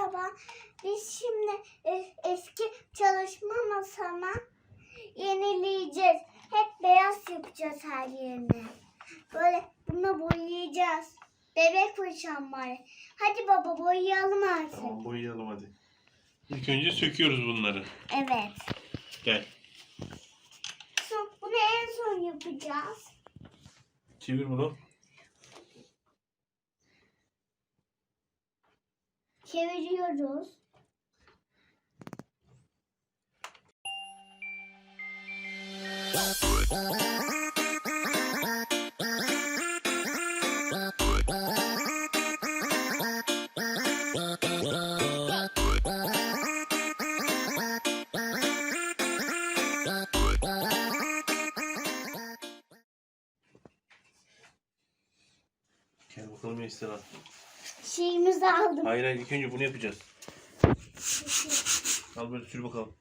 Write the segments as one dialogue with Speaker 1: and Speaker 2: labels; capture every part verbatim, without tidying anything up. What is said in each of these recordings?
Speaker 1: Merhaba. Biz şimdi es- eski çalışma masama yenileyeceğiz. Hep beyaz yapacağız her yerini. Böyle bunu boyayacağız. Bebek fırçam var. Hadi baba boyayalım artık.
Speaker 2: Tamam, boyayalım hadi. İlk önce söküyoruz bunları.
Speaker 1: Evet.
Speaker 2: Gel.
Speaker 1: Son, bunu en son yapacağız.
Speaker 2: Çevir bunu.
Speaker 1: Çeviriyoruz.
Speaker 2: Gel bakalım Esra.
Speaker 1: Şeyimizi aldım.
Speaker 2: Hayır hayır, ilk önce bunu yapacağız. Al böyle sür bakalım.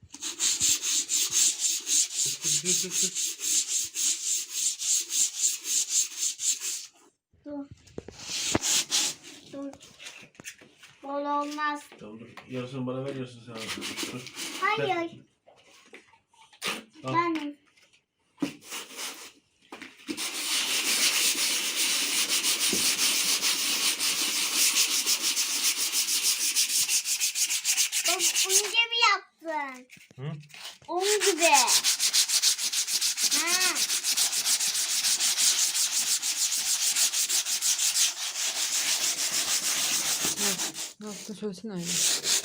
Speaker 2: Sür, sür, sür, sür.
Speaker 1: Dur. Dur. Bol olmaz.
Speaker 2: Tamam dur. Yarısını bana ver, yarısını sen al. Dur.
Speaker 1: Hayır.
Speaker 2: Al.
Speaker 1: Ben Onun gibi yaptın.
Speaker 2: Hı?
Speaker 1: Onun gibi. Ha.
Speaker 3: Ne yaptın söylesene öyle.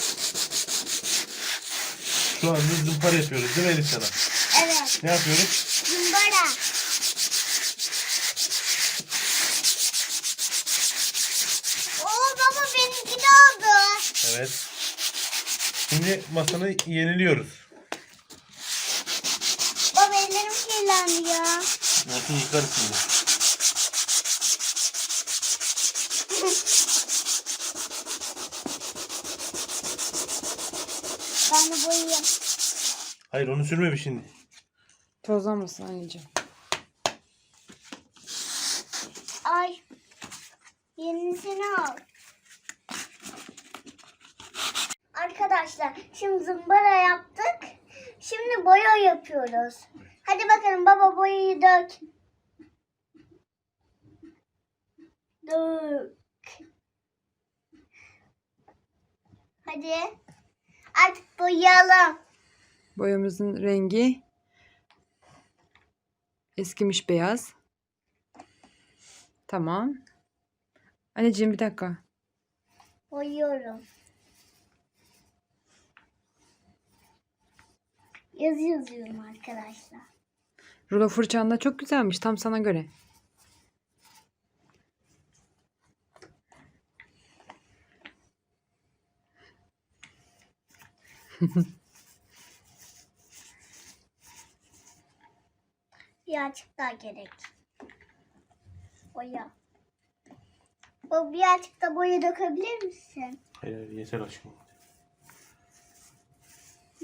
Speaker 2: Şu anda zımpara yapıyoruz değil mi Elif sana?
Speaker 1: Evet.
Speaker 2: Ne yapıyoruz?
Speaker 1: Zımbara. Oo baba benimki de oldu.
Speaker 2: Evet. Şimdi masanı yeniliyoruz.
Speaker 1: Baba ellerim kirlendi ya.
Speaker 2: Nasıl yıkarız şimdi?
Speaker 1: Ben de boyayayım.
Speaker 2: Hayır, onu sürme bir şimdi.
Speaker 3: Tozlanmasın anneciğim.
Speaker 1: Ay. Yenisini al. Arkadaşlar şimdi zımbara yaptık. Şimdi boya yapıyoruz. Hadi bakalım baba boyayı dök. Dök. Hadi. Artık boyayalım.
Speaker 3: Boyamızın rengi eskimiş beyaz. Tamam. Anneciğim bir dakika.
Speaker 1: Boyuyorum. Yazı yazıyorum arkadaşlar.
Speaker 3: Rulo fırçan da çok güzelmiş. Tam sana göre.
Speaker 1: Birazcık daha gerek. Boya. O birazcık da boya dökebilir misin?
Speaker 2: Hayır hayır, yeter aşkım.
Speaker 1: Hı.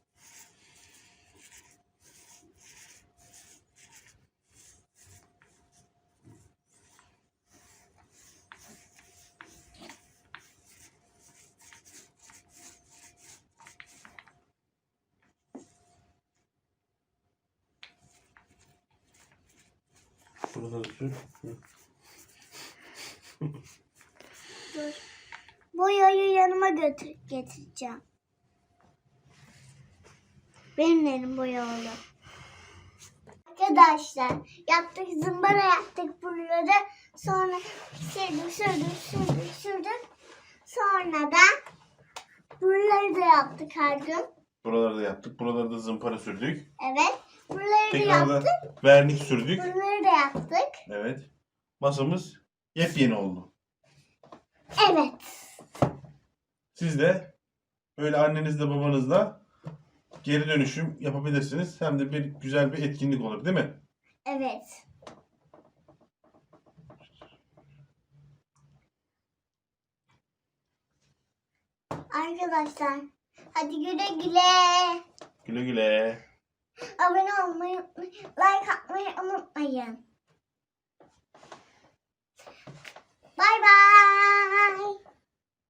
Speaker 2: Burada da sür. Hı.
Speaker 1: Dur. Boyayı yanıma götür getireceğim. Benim elim boyalı. Arkadaşlar yaptık zımbara yaptık buraları. Sonra sürdük sürdük sürdük sürdük. Sonra da buraları da yaptık her gün.
Speaker 2: Buraları da yaptık. Buraları da zımpara sürdük.
Speaker 1: Evet. Buraları da
Speaker 2: Tekrar
Speaker 1: yaptık.
Speaker 2: da vernik sürdük.
Speaker 1: Buraları da yaptık.
Speaker 2: Evet. Masamız yepyeni oldu.
Speaker 1: Evet.
Speaker 2: Siz de böyle annenizle babanızla geri dönüşüm yapabilirsiniz. Hem de bir güzel bir etkinlik olur değil mi?
Speaker 1: Evet. Arkadaşlar hadi güle güle.
Speaker 2: Güle güle.
Speaker 1: Abone olmayı, like atmayı unutmayın.